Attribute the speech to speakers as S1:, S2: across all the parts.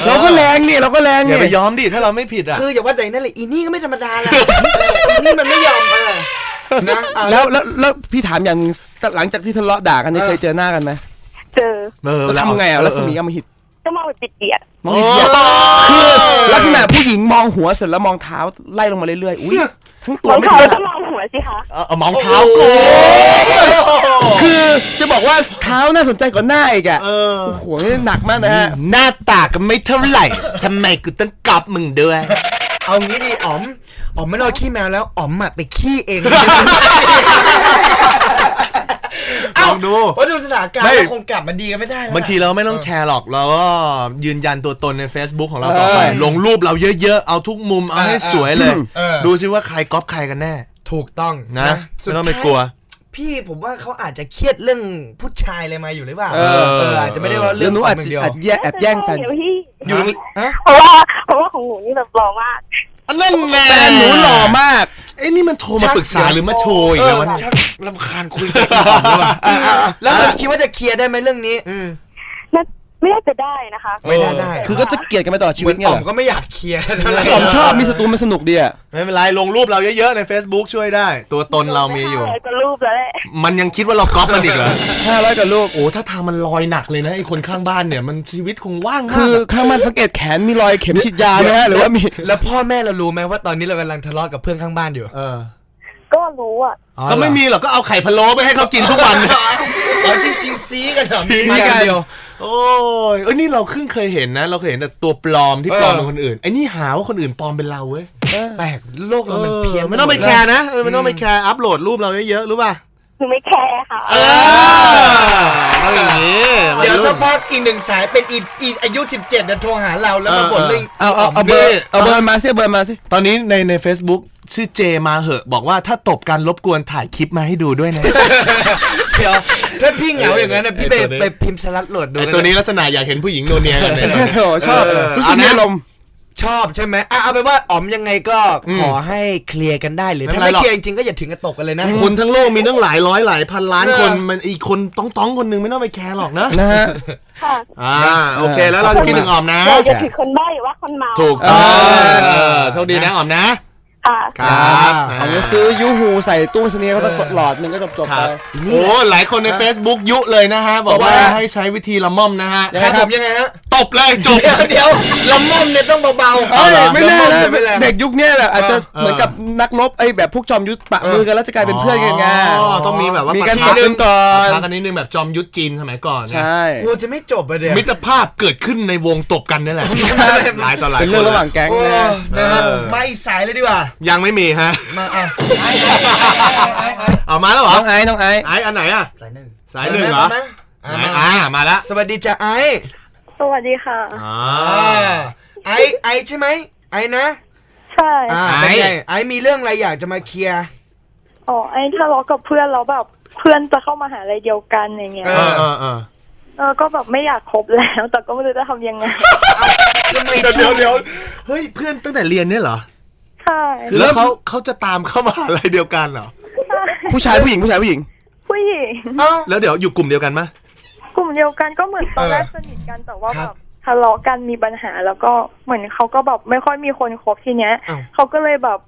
S1: เราก็แรงนี่เราก็แรง
S2: อย่าไปยอมดิถ้าเราไม่ผิดอ่ะ
S3: คืออย่าว่าแต่นั่นเลยอีนี่ก็ไม่ธรรมดาละอีนี่มันไม่ยอมนะ
S1: แล้วพี่ถามอย่างหลังจากที่ทะเลาะด่ากันเคยเจอหน้ากันไหม
S4: เจอ
S1: แล้วทำไงอ่ะรัศมีอมหิต
S4: ก็มองแบบเปียก
S1: มองหิตคือลักษณะผู้หญิงมองหัวเสร็จแล้วมองเท้าไล่ลงมาเรื่อยๆอุ้ยทั้งตัวไม่
S4: ได้มองหัวสิคะ
S2: มองเท้ากู
S1: คือจะบอกว่าเท้าน่าสนใจกว่าหน้าอีกอ่ะโอ้โหหนักมากนะฮะ
S2: หน้าตาก็ไม่เท่าไหร่ทำไมกูต้องกอบมึงด้วย
S3: เอางี้ดิอ๋อมไม่รอขี้แมวแล้วอ๋อมไปขี้เอง
S2: ลองดู
S3: เพราะดูสถานการณ์เราคงกลับมาดีกันไม่ได้
S2: บางทีเราไม่ต้องแชร์หรอกเราก็ยืนยันตัวตนใน Facebook ของเราต่อไปลงรูปเราเยอะๆเอาทุกมุมเอาให้สวยเลยดูซิว่าใครก๊อปใครกันแน่
S3: ถูกต้อง
S2: นะไม่ต้องไปกลัว
S3: พี่ผมว่าเขาอาจจะเครียดเรื่องผู้ชายอะไรมาอยู่หรือเปล่าอาจจะไม่ได้ว่าเรื่อง
S1: นู้อาจจะแอบแย่งแฟน
S4: อยู่เพราะว่าของหนูนี่แบบหล่อมาก
S2: นั่นแหละ
S1: แฟนหนูหล่อมาก
S2: นี่มันโทรมาปรึกษาหรือมาโชว์อีกแล้ววะ
S3: ชักรำคาญคุยกันแล้วคิดว่าจะเคลียร์ได้ไหมเรื่องนี้
S4: ไม่ได้จะได้นะคะ
S3: ไม่ได้
S1: คือก็จะเกลียดกันไปตลอดชีวิตเนี่ย
S3: ผมก็ไม่อยากเคลียร์
S1: ผมชอบมีศัตรูมันสนุกดีอ่ะ
S2: ไม่เป็นไรลงรูปเราเยอะๆใน Facebook ช่วยได้ตัวตนเรามีอยู่
S4: ก็รูปแล้ว
S2: มันยังคิดว่าเราก๊อปมันอีกเหรอ
S1: 500กว่ารูป
S2: โอ้ถ้าทางมันลอยหนักเลยนะไอ้คนข้างบ้านเนี่ยมันชีวิตคงว่างมาก
S1: คือข้างบ้านสังเกตแขนมีรอยเข็มฉีดยาไหมฮะหรือว่ามี
S3: แล้วพ่อแม่เรารู้ไหมว่าตอนนี้เรากำลังทะเลาะกับเพื่อนข้างบ้านอยู่
S4: ก็รู้อ่ะ
S2: ก็ไม่มีหรอกก็เอาไข่พะโล้ไปให้เขากินทุกวัน
S3: จริงๆซีกันเหรอ
S2: ซีกันเดียวโอ้ยนี่เราเคยเห็นนะเราเคยเห็นแต่ตัวปลอมที่ปลอมเป็นคนอื่นไอ้นี่หาว่าคนอื่นปลอมเป็นเราเว้ย
S3: แปลกโลกเรามันเพี้ยน
S2: ไม่ต้องไปแคร์นะไม่ต้องไปแคร์อัพโหลดรูปเราเยอะๆรู้ป่ะ
S4: หนูไม่แคร์ค่ะ
S2: อย่างนี้
S3: เดี๋ยวสักพักอีก1สายเป็นอีอายุ17จะโทรหาเราแล้วมาบ่นเรื่อง
S1: เอาเบอร์มาสิ
S2: ตอนนี้ใน Facebook ชื่อเจมาเหอะบอกว่าถ้าตบกันรบกวนถ่ายคลิปมาให้ดูด้วยนะ
S3: เดี๋ยวถ้าพี่เหงาอย่างนั้นนะพี่ไปพิมพ์สลัดโหลดดู
S2: ตัวนี้ลักษณะอยากเห็นผู้หญิงโนเนียกันเลย
S1: ชอบรู้สึกมีอารมณ์
S3: ชอบใช่ไหมเอาไปว่าอ๋อมยังไงก็ขอให้เคลียร์กันได้หรือถ้าไม่เคลียร์จริงๆก็อย่าถึงกับตกกันเลยนะ
S2: คนทั้งโลกมีตั้งหลายร้อยหลายพันล้านคนมันอีกคนต้องคนนึงไม่ต้องไปแคร์หรอกนะ
S1: ฮะ
S4: ค่ะ
S2: โอเคแล้วเราจะคิดถึงอ๋อมนะ
S4: จะถือคนบ้าหรือว่าคนเมา
S2: ถูกต้องโชคดีนะอ๋อมนะครับ
S1: เอาเงินซื้อยูฮูใส่ตู้เสนียก็ต้องหลอดนึงก็จบไป
S2: โอ้หลายคนใน Facebook ยุเลยนะฮะบอกว่าให้ใช้วิธีละม่อมนะฮะ
S3: ครับยังไงฮะ
S2: ตบเลยจบ
S3: เดี๋ยวละม่อมเนี่ยต้องเบา
S1: ๆไม่แน่นะเด็กยุคนี้แหละอาจจะเหมือนกับนักรบไอ้แบบพวกจอมยุทธปะมือกันแล้วจะกลายเป็นเพื่อนกันไง
S2: ต้องมีแบบว่า
S1: มีการปะกันก่อน
S2: ปะกันนิดนึงแบบจอมยุทธจีนสมัยก่อน
S1: ใช่
S3: กูจะไม่จบไปเดี๋ยว
S2: มิตรภาพเกิดขึ้นในวงตบกันนี่แหละหลายต่อหลาย
S1: เป็นเรื่องระหว่างแก๊ง
S3: นะครับมาอีกสายเลยดีกว่า
S2: ยังไม่มีฮะ
S3: มา
S2: เอามาแล้วเหรอ
S1: น้องไอ้
S2: อันไหนอ่ะ
S3: สายหนึ่ง
S2: เหรอมาแล้ว
S3: สวัสดีจ้ะไอ้
S4: สวัสดีค่ะ
S3: ไอ้ใช่ไหมไอ้นะ
S4: ใช่
S3: ไอ้มีเรื่องอะไรอยากจะมาเคลียร์
S4: ไอ้ทะเลาะกับเพื่อนแล้วแบบเพื่อนจะเข้ามาหาอะไรเดียวกันอย่างเงี้ยก็แบบไม่อยากคบแล้วแต่ก็ไม่รู้จะทำยังไง
S2: เดี๋ยวเฮ้ยเพื่อนตั้งแต่เรียนเนี่ยเหรอ
S4: ใช่
S2: แล้วเขาจะตามเข้ามาอะไรเดียวกันเหรอ
S1: ผู้ชายผู้หญิง
S2: แล้วเดี๋ยวอยู่กลุ่มเดียวกันไหม
S4: กลุ่มเดียวกันก็เหมือนตอนแรกสนิทกันแต่ว่าแบบทะเลาะกันมีปัญหาแล้วก็เหมือนเขาก็แบบไม่ค่อยมีคนคบทีเนี้ยเขาก็เลยแบบ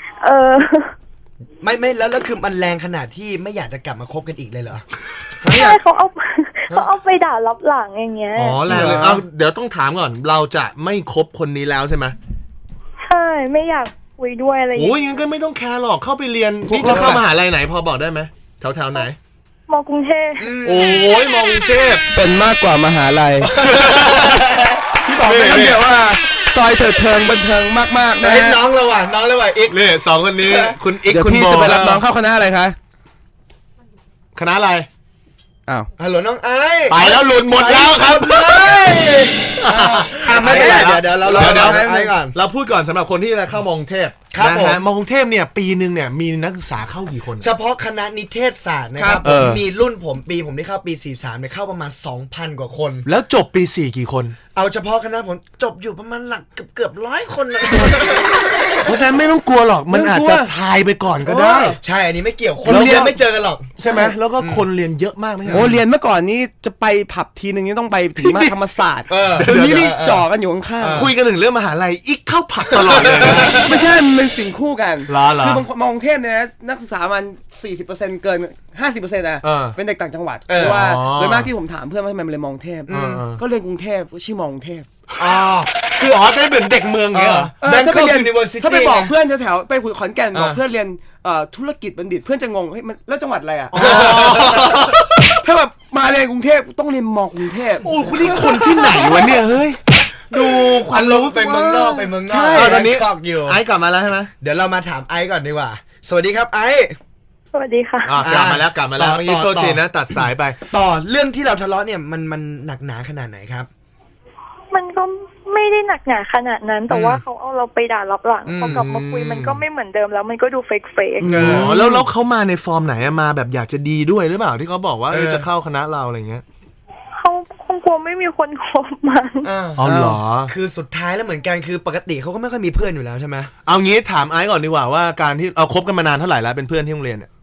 S3: ไม่แล้วคือมันแรงขนาดที่ไม่อยากจะกลับมาคบกันอีกเลยเหรอ
S4: ใช่เขาเอาไปด่ารับหลังอย่างเงี้ย
S2: แรงเลยเดี๋ยวต้องถามก่อนเราจะไม่คบคนนี้แล้วใช่ไหม
S4: ใช่ไม่อยากคุยด้วยอะไรอย่างเงี้ย
S2: งั้นก็ไม่ต้องแคร์หรอกเข้าไปเรียนนี่จะเข้ามหาลัยไหนพอบอกได้ไหมแถวไหน
S4: มอกรุงเทพ
S2: มอกรุงเทพ
S1: เป็นมากกว่ามหาลัยที่บอกไปเดี๋ยวว่าซอยเถิดเทิงบันเทิงมากๆนะ
S3: น้องเราว่ะอีก
S2: เนี่ยสองคนนี้คุณอีก
S1: คุณโบจะไปรับน้องเข้าคณะอะไรคะ
S2: คณะอะไร
S3: ฮัลโหลน้องไอ้
S2: ไปแล้วหลุดหมดแล้วครับ
S3: ไม่เป็นไรเดี๋ยวเราไอ้ก่อน
S2: เราพูดก่อนสำหรับคนที่จะเข้ามอกรุงเทพนะฮะมอกรุงเทพเนี่ยปีนึงเนี่ยมีนักศึกษาเข้ากี่คน
S3: เฉพาะคณะนิเทศศาสตร์นะครับมีรุ่นผมที่เข้าปี43เนี่ยเข้าประมาณ 2,000 กว่าคน
S2: แล้วจบปี4กี่คน
S3: เอาเฉพาะคณะผมจบอยู่ประมาณหลักเกือบ100 คน
S2: เพราะฉะนั้นไม่ต้องกลัวหรอกมันอาจจะทายไปก่อนก็ได้
S3: ใช่อันนี้ไม่เกี่ยวคนเรียนไม่เจอกันหรอก
S2: ใช่ไหมแล้วก็คนเรียนเยอะมากไหม
S1: เรียนเมื่อก่อนนี้จะไปผับทีนึงนี่ต้องไปถึงมาธรรมศาสตร์เดี๋ยวนี้นี่จ่อกันอยู่ข้างๆ
S2: คุยกันถึงเรื่องมหาลัยอีกเข้าผักตลอดเลยนะ
S1: ไม่ใช่มันเป็นสิ่งคู่กัน
S2: เหรอ
S1: คือบางคนมองเทพเนี่ยนะนักศึกษามัน 40%เกิน 50%นะเป็นเด็กต่างจังหวัดเพราะว่าโดยมากที่ผมถามเพื่อนว่าทำไมมันเลยมองเทพก็เรียนกรุงเทพชื่อมองเทพ
S2: คือได้เหมือนเด็กเมืองเงี้ยเหรอ
S1: ถ้าไปเรียนถ้าไปบอกเพื่อนแถวๆไปขอนแก่นบอกเพื่อนเรียนธุรกิจบัณฑิตเพื่อนจะงงเฮ้ยมันแล้วจังหวัดอะไรอ่ะถ้าแบบมาเรียนกรุงเทพต้องเรียนมอกรุงเทพ
S2: โอ้คุณนี่คนที่ไหนวะเนี่ยเฮ้ยดูควันรู้
S3: ไปเมืองนอกไปเมืองนอก
S1: ใช่
S2: ตอนนี้
S3: อยู่
S2: ไอซ์กลับมาแล้วใช่ไหม
S3: เดี๋ยวเรามาถามไอซ์ก่อนดีกว่าสวัสดีครับไอซ์
S4: สวัสดีค่ะ
S2: กลับมาแล้วเมื่อกี้โทษทีนะตัดสายไป
S3: ต่อเรื่องที่เราทะเลาะเนี่ยมันหนักหนาขนาดไหนครับ
S4: มันก็ไม่ได้หนักหนาขนาดนั้นแต่ว่าเขาเอาเราไปด่ารับหลังพอกลับมาคุยมันก็ไม่เหมือนเดิมแล้วมันก็ดูเฟก
S2: แล้วเขามาในฟอร์มไหนมาแบบอยากจะดีด้วยหรือเปล่าที่เขาบอกว่าจะเข้าคณะเราอะไรเงี้ย
S4: เขาคงกลัวไม่มีคนคบมัน
S2: อ๋อเหรอ
S3: คือสุดท้ายแล้วเหมือนกันคือปกติเขาก็ไม่ค่อยมีเพื่อนอยู่แล้วใช่ไหม
S2: เอางี้ถามไอซ์ก่อนดีกว่าว่าการที่เราคบกันมานานเท่าไหร่แล้วเป็นเพื่อนที่โรงเรียนเนี่ย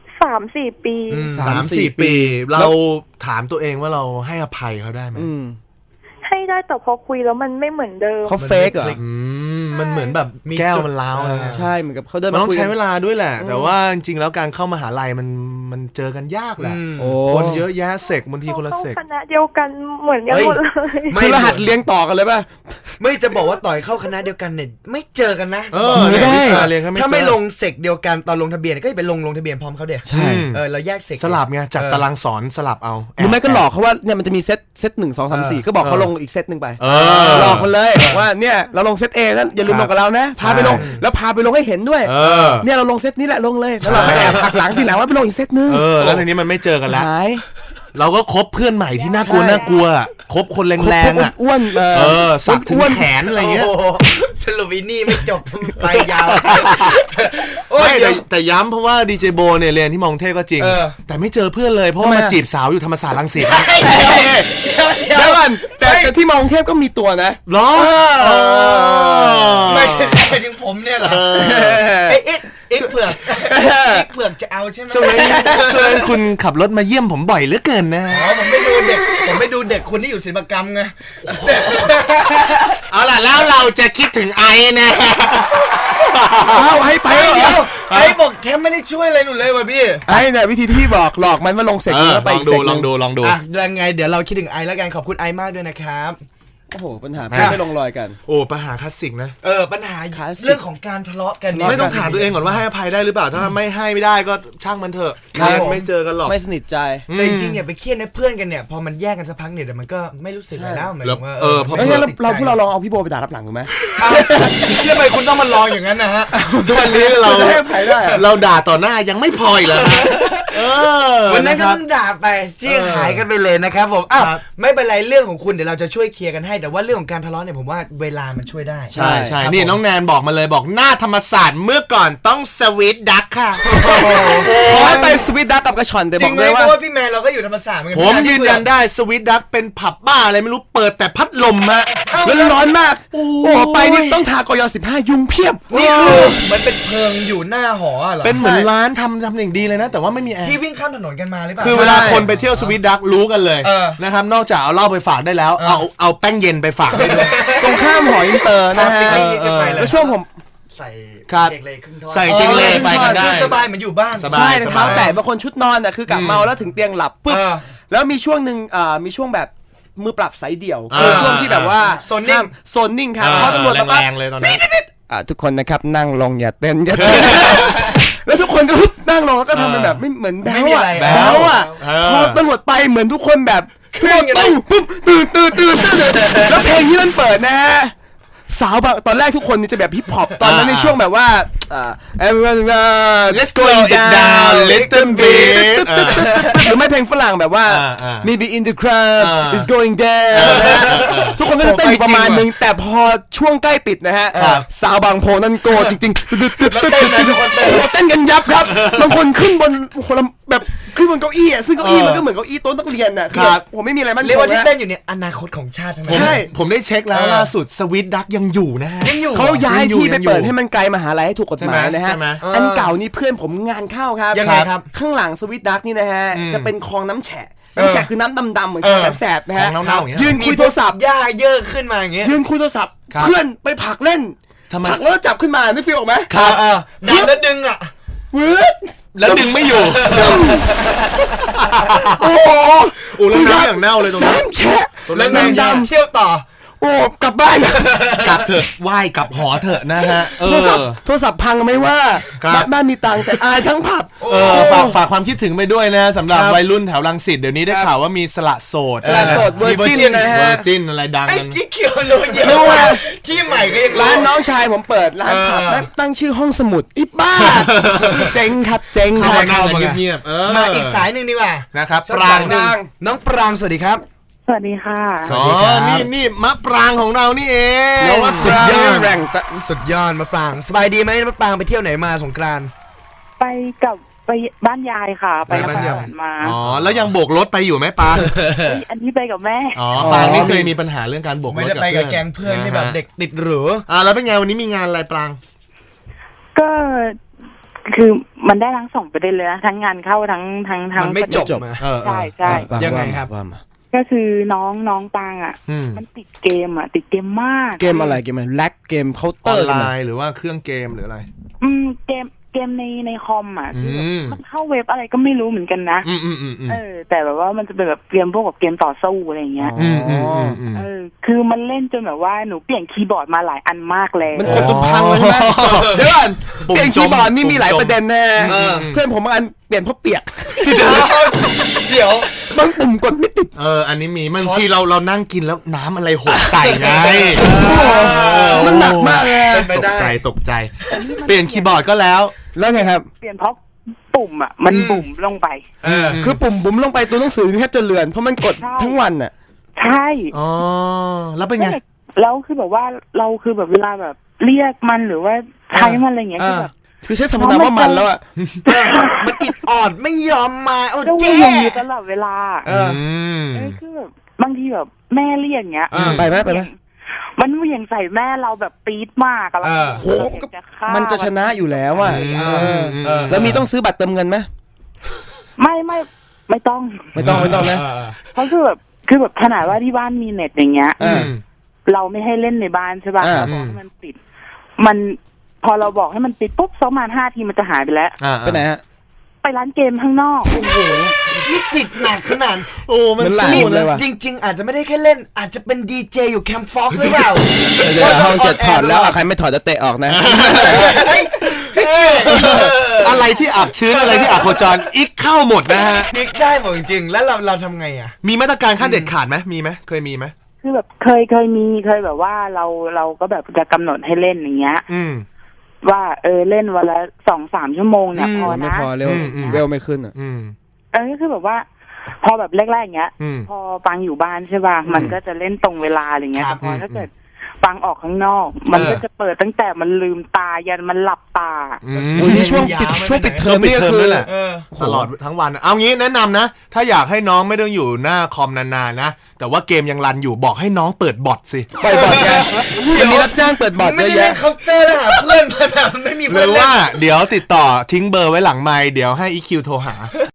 S4: 3-4 ปี
S2: 3-4 ปีเราถามตัวเองว่าเราให้อภัยเขาได้ไหม
S4: ให้ได้แต่พอคุยแล้วมันไม่เหมือนเดิม
S1: เขาเฟกเหรอ
S2: มันเหมือนแบบแก้วมันล้าว
S1: ใช่เหมือนกับเขาเดิน
S2: มันต้องใช้เวลาด้วยแหละแต่ว่าจริงๆแล้วการเข้ามหาลัยมันเจอกันยากแหละคนเยอะแยะเสกบางทีคนละเสก
S4: คณะเดียวกันเหมือนกันหมดเลย
S1: คือรหัสเรียงต่อกันเลยป่ะ
S3: ไม่จะบอกว่าต่อยเข้าคณะเดียวกันเนี่ยไม่เจอกันนะ
S2: ไม่ได้
S3: ถ้าไม่ลงเสกเดียวกันตอนลงทะเบียนก็ไปลงทะเบียนพร้อมเขาเดียว
S1: ใช่
S3: เราแยกเสก
S2: สลับไงจัดตารางสอนสลับเอา
S1: หรือไม่ก็หลอกเขาว่าเนี่ยมันจะมีเซต1 2 3 4ก็บอกเขาลงอีกเซตนึงไปหลอกมันเลยบอกว่าเนี่ยเราลงเซต A นั่นอย่าลืมลงกับเรานะพาไปลงแล้วพาไปลงให้เห็นด้วยเนี่ยเราลงเซตนี้แหละลงเลยแล้วเราไปแอบหักหลังทีหลังว่าไปลงอีกเซตนึง
S2: แล้วทีนี้มันไม่เจอกันแล้วเราก็คบเพื่อนใหม่ที่น่ากลัวคบคนแรงๆอ่ะ
S1: อ้วน
S2: สักถึงแขนอะไรเงี้ย
S3: สรุปวินี่ไม่จบไปยาว
S2: ไม่แต่ย้ำเพราะว่าดีเจโบเนี่ยเรียนที่มองเทพก็จริงแต่ไม่เจอเพื่อนเลยเพราะว่ามาจีบสาวอยู่ธรรมศาสตร์รังสิต
S1: เดี๋ยวก่อนแต่ที่มองเทพก็มีตัวนะ
S2: หรอ
S3: ไม่ใช่ถึงผมเนี่ยเหรออีกเผือกจะเอาใช่ไหม
S2: ช่วงนั้นคุณขับรถมาเยี่ยมผมบ่อยเหลือเกินนะ
S3: ผมไม่ดูเด็กคนที่อยู่ศิลปกรรมไง
S2: เอาล่ะแล้วเราจะคิดถึงไอ้นะ
S1: เอาให้ไป
S3: เดี๋ยวไอ้บอกแทบไม่ได้ช่วยอะไรหนูเลยว่ะพี่
S1: ไอ้เนี่ยวิธีที่บอกหลอกมันมาลงเสกแล้วไป
S2: ลองดู
S3: ยังไงเดี๋ยวเราคิดถึงไอ้แล้วกันขอบคุณไอ้มากด้วยนะครับ
S1: โอ้โหปัญหาไม่ลงรอยกัน
S2: โอ้ปัญหาคลาสสิกนะ
S3: ปัญหาเรื่องของการทะเลาะกัน
S2: ไม่ต้องถามตัวเองก่อนว่าให้อภัยได้หรือเปล่าถ้าไม่ให้ไม่ได้ก็ช่างมันเถอะไม่เจอกันหรอก
S1: ไม่สนิทใจ
S3: แต่จริงๆอย่าไปเครียดนะเพื่อนกันเนี่ยพอมันแยกกันสักพักเนี่ยเดี๋ยวมันก็ไม่รู้สึกอะไรแล้วเหมือนว่า
S1: เพราะงั้นเราพวกเราลองเอาพี่โบไปด่ารับหลังถูกไหม
S3: ทำไมคุณต้องมาลองอย่างนั้นนะฮะ
S2: ทุกวันนี้เราด่าต่อหน้ายังไม่พอเลย
S3: วันนั้นก็เพิ่งด่าไปจี้หายกันไปเลยนะครับผมอ้าวไม่เป็นไรเรื่องของคุณเดี๋ยวเราจะช่วยเคลียร์กันให้แต่ว่าเรื่องของการทะเลาะเนี่ยผมว่าเวลามันช่วยได้
S2: ใช่นี่น้องแนนบอกมาเลยบอกหน้าธรรมศาสตร์เมื่อก่อนต้องสวีทดักค่ะ
S1: ขอให้ไปสวีทดักกับกระชอนแต่บอกเลยว่า
S3: พี่แมนเราก็อยู่ธรรมศาสตร์เหมือนกัน
S2: ผมยืนยันได้สวีทดักเป็นผับบ้าอะไรไม่รู้เปิดแต่พัดลมฮะ
S1: ร้อนมากโอ้ไปนี่ต้องทากย15ยุงเพียบ
S3: นี่คือเหมือนเป็นเพิงอยู่หน้าหอเหรอ
S2: เป็นเหมือนร้านทำอย่างดีเลยนะแต่ว่าไม่มีแอร์
S3: ที่วิ่งข้ามถนนกันมาหรือเปล่า
S2: คือเวลาคนไปเที่ยวสวีทดักรู้กันเลยนะครับนอกจากเอาเหล้าไปฝากได้แล้วเอาแป้งเย็นไปฝากได้ด้วย
S1: ตรงข้ามหออินเตอร์นะฮะแล้วช่วงผม
S3: ใส่เด็กเลยครึ่งท่อน
S2: ใส่จริงเลยไปกันได้
S3: สบายเหมือนอยู่บ้าน
S1: ใช่นะครับแต่บางคนชุดนอนน่ะคือกลับเมาแล้วถึงเตียงหลับปุ๊บแล้วมีช่วงนึงมีช่วงแบบมือปรับสายเดี่ยวคือช่วงที่แบบว่า
S3: โซนนิ่
S1: งครับพอตำรวจมา
S2: แรงเลยตอนนั้น
S1: ทุกคนนะครับนั่งลงอย่าเต้นแล้วทุกคนก็นั่งลงแล้วก็ทำเป็นแบบไม่เหมือนแบ๊วอ่ะพอตำรวจไปเหมือนทุกคนแบบทุกคนต้องปุ๊บตื่นแล้วเพลงที่มันเปิดนะฮะสาวบางตอนแรกทุกคนนี่จะแบบฮิปฮอปตอนนั้นในช่วงแบบว่า
S2: let's go down little bit
S1: หรือไม่เพลงฝรั่งแบบว่า maybe in the crowd is going down ทุกคนก็จะเต้นอยู่ประมาณนึงแต่พอช่วงใกล้ปิดนะฮะสาวบางโพนั่นโกจริงๆเต้นกันยับครับบางคนขึ้นบนแบบขึ้นบนเก้าอี้อ่ะซึ่งเก้าอี้มันก็เหมือนเก้าอี้โต๊ะนักเรียนน่ะครับผมไม่มีอะไรมัน
S3: เรียกว่าที่เต้นอยู่เนี่ยอนาคตของชาติทั้งนั้น
S2: ใช่ผมได้เช็คแล้วล่าสุดสวิตดักยังอยู่นะฮะ
S1: เขาย้ายที่ไปเปิดให้มันไกลมหาลัยให้ถูกกฎหมายนะฮะอันเก่านี่เพื่อนผมงานเข้าครับ
S3: ยังไงครับ
S1: ข้างหลังสวิตดักนี่นะฮะจะเป็นคลองน้ำแฉะน้ำแฉะคือน้ำดำๆเหมือนแสบๆนะฮะ
S2: ของเน่าๆอย่างเงี้ย
S1: ยืนคุยโทรศัพท์
S3: หญ้าเยอะขึ้นมาอย่างเงี้ย
S1: ยืนคุยโทรศัพท์
S2: ครับ
S1: เพื่อนไปผลักเล่น
S2: ทำไม
S1: ผลักแล้วจับขึ้นมาไม่ฟีลออกไหม
S2: ครับ
S3: ดันแล้วดึงอ่ะ
S1: วืด
S2: แล้วดึงไม่อยู่
S1: โอ้โห
S2: โอ้แล้วน้ำอย่างเน่าเลยตรงนั้น
S1: น้ำแฉะ
S3: แล้วนาง
S1: น้ำด
S3: เที่ยวต่อ
S1: ำโอ้กลับบ้าน
S2: กลับเถอะไหว้กลับหอเถอะนะฮะ
S1: โทรศัพท์พังไม่ว่า
S2: ครับ
S1: บ้านมีตังค์แต่อายทั้งผับ
S2: ฝากความคิดถึงไปด้วยนะสำหรับวัยรุ่นแถวรังสิตเดี๋ยวนี้ได้ข่าวว่ามีสละโสด
S1: สละโสด Virgin นะฮะ
S2: เวอร์จินอะไรดัง
S3: ไอ้
S2: กัน
S3: กิ๊กเขียวโลเยอะ
S1: รู้ว่า
S3: ที่ใหม่ก็ยัง
S1: ร้านน้องชายผมเปิดร้านผับแล้วตั้งชื่อห้องสมุดอีบ้า เจ๋งครับเจ๋งค
S2: เข้า
S1: รับ
S2: มานั่งกันเงียบๆ
S3: มาอีกสายหนึ่งดีกว่า
S2: นะครับ
S3: ปรางหนึ่งน้องปรางสวัสดีครับ
S4: สวัสดีค่ะ
S2: อ๋อนี่มะปรางของเรานี่เอง
S1: แล้วว่าสุดยอดแรง
S3: สุดยอดมะปรางสบายดีไหมมะปรางไปเที่ยวไหนมาสงกรานต์
S4: ไปบ้านยายค่ะ ไปนครสวรรค์มา
S2: อ๋อแล้วยังโบกรถไปอยู่ไหมปา
S4: อันนี้ไปกับแม่
S2: อ๋อปางนี่เคยมีปัญหาเรื่องการโบกรถ
S3: ไม่ได้ไปกับแก๊งเพื่อนที่แบบเด็กติดหรือ
S2: แล้วเป็นไงวันนี้มีงานอะไรปราง
S4: ก็คือมันได้ทั้งสองประเด็นเลยนะทั้งงานเข้าทั้ง
S3: มันไม่จบมา
S4: ใช่ใช่
S3: ยังไงครับ
S1: ว่ามา
S4: ก็คือน้องปางอ่ะ มันติดเกมติดเกมมาก
S1: เกมอะไรเกมอะไรแลกเกมเคาน์เต
S2: อ
S1: อ
S2: อน
S1: ร์
S2: ไลน์หรือว่าเครื่องเกมหรืออะไร
S4: เกมในคอมคือแบบ
S2: อืม
S4: มันเข้าเว็บอะไรก็ไม่รู้เหมือนกันนะ แต่แบบว่ามันจะเป็นแบบเกมพวกแบบเกมต่อสู้อะไรอย่างเงี้ยคือมันเล่นจนแบบว่าหนูเปลี่ยนคีย์บอร์ดมาหลายอันมากแล้ว
S1: มันกดจนพังเลยใช่ไหมเดี๋ยวก่อนเปลี่ยนคีย์บอร์ดนี่มีหลายประเด็นนะเพื่อนผมบางอันเปลี่ยนเพราะเปียก
S3: เดี๋ยว
S1: บางปุ่มกดไม่ติด
S2: อันนี้มีบางทีเรานั่งกินแล้วน้ำอะไรหกใส่ไง
S1: มันหนักมากเลย
S2: ตกใจเปลี่ยนคีย์บอร์ดก็แล้ว
S1: ไงครับ
S4: เปลี่ยนเพราะปุ่มมันบุ่มลงไป
S1: คือปุ่มบุ๋มลงไปตัวหนังสือแทบจะเลือนเพราะมันกดทั้งวันอ่ะ
S4: ใช่
S2: อ๋อแล้วเป็นไง
S4: แล้วคือแบบว่าเราคือแบบเวลาแบบเรียกมันหรือว่าใช้มันอะไรอย่างเงี้ยคือแบบ
S1: คือใช้สมรรถนะว่ามันแล้วอ่ะ
S3: มันอิดออดไม่ยอมมาโอ้
S4: ก็
S3: เจ๊
S4: วิ่งอยู่ตลอดเวลา คือแบบบางทีแบบแม่เรียกอย่างเงี้ย
S1: ไปไหม
S4: มันเหวี่ยงใส่แม่เราแบบปี๊ดมากอะแล้ว
S1: โหมันจะชนะอยู่แล้วอ่ะแล้วมีต้องซื้อบัตรเติมเงินไหม
S4: ไม่ต้อง
S1: ไม่ต้องนะ
S4: เพราะคือแบบขนาดว่าที่บ้านมีเน็ตอย่างเงี้ยเราไม่ให้เล่นในบ้านใช่ป่ะเราบอกให้มันปิดมันพอเราบอกให้มันปิดปุ๊บประมาณ5 ทีมันจะหายไปแล้ว
S1: ไปไหนฮะ
S4: ไปร้านเกมข้างนอกโอ้โห
S3: นี่ติดหนักขนาด
S1: มันหลายเลยว่ะ
S3: จริงๆอาจจะไม่ได้แค่เล่นอาจจะเป็นดีเจอยู่แคมป์ฟ็อกหรือเปล่า
S1: เดี๋ยวห้อง7ถอดแล้วใครไม่ถอดจะเตะออกนะ
S2: อะไรที่อับชื้นอะไรที่อับโคจรอีกเข้าหมดนะฮะ
S3: อีกได้หมดจริงๆแล้วเราทำไงอ่ะ
S2: มีมาตรการขั้นเด็ดขาดไหมมีไหมเคยมีไหม
S4: คือแบบเคยแบบว่าเราก็แบบจะกำหนดให้เล่นอย่างเงี้ยว่าเล่นวันละ 2-3 ชั่วโมงเนี่ยพอนะ
S1: ไม่พอเร็วไม่ขึ้นอ่ะ
S4: ก็คือแบบว่าพอแบบแรกๆอย่างเงี้ยพอปังอยู่บ้านใช่ป่ะมันก็จะเล่นตรงเวลาอะไรเงี้ยแต่พอถ้าเกิดปังออกข้างนอกมันก็จะเปิดตั้งแต่มันลืมตายันมันหลับตา
S1: นี่ช่วงปิดเทอมนี่ก็คือ
S2: ตลอดทั้งวันเอางี้แนะนำนะถ้าอยากให้น้องไม่ต้องอยู่หน้าคอมนานๆนะแต่ว่าเกมยังรันอยู่บอกให้น้องเปิดบอทสิ
S1: เปิดบอทไงมันมีรับจ้างเปิดบอทเยอะแยะ
S3: เคาน์เตอร์หาเพื่อนมาไม่มี
S2: เพื่อนหรือว่าเดี๋ยวติดต่อทิ้งเบอร์ไว้หลังไมค์เดี๋ยวให้ EQ โทรหา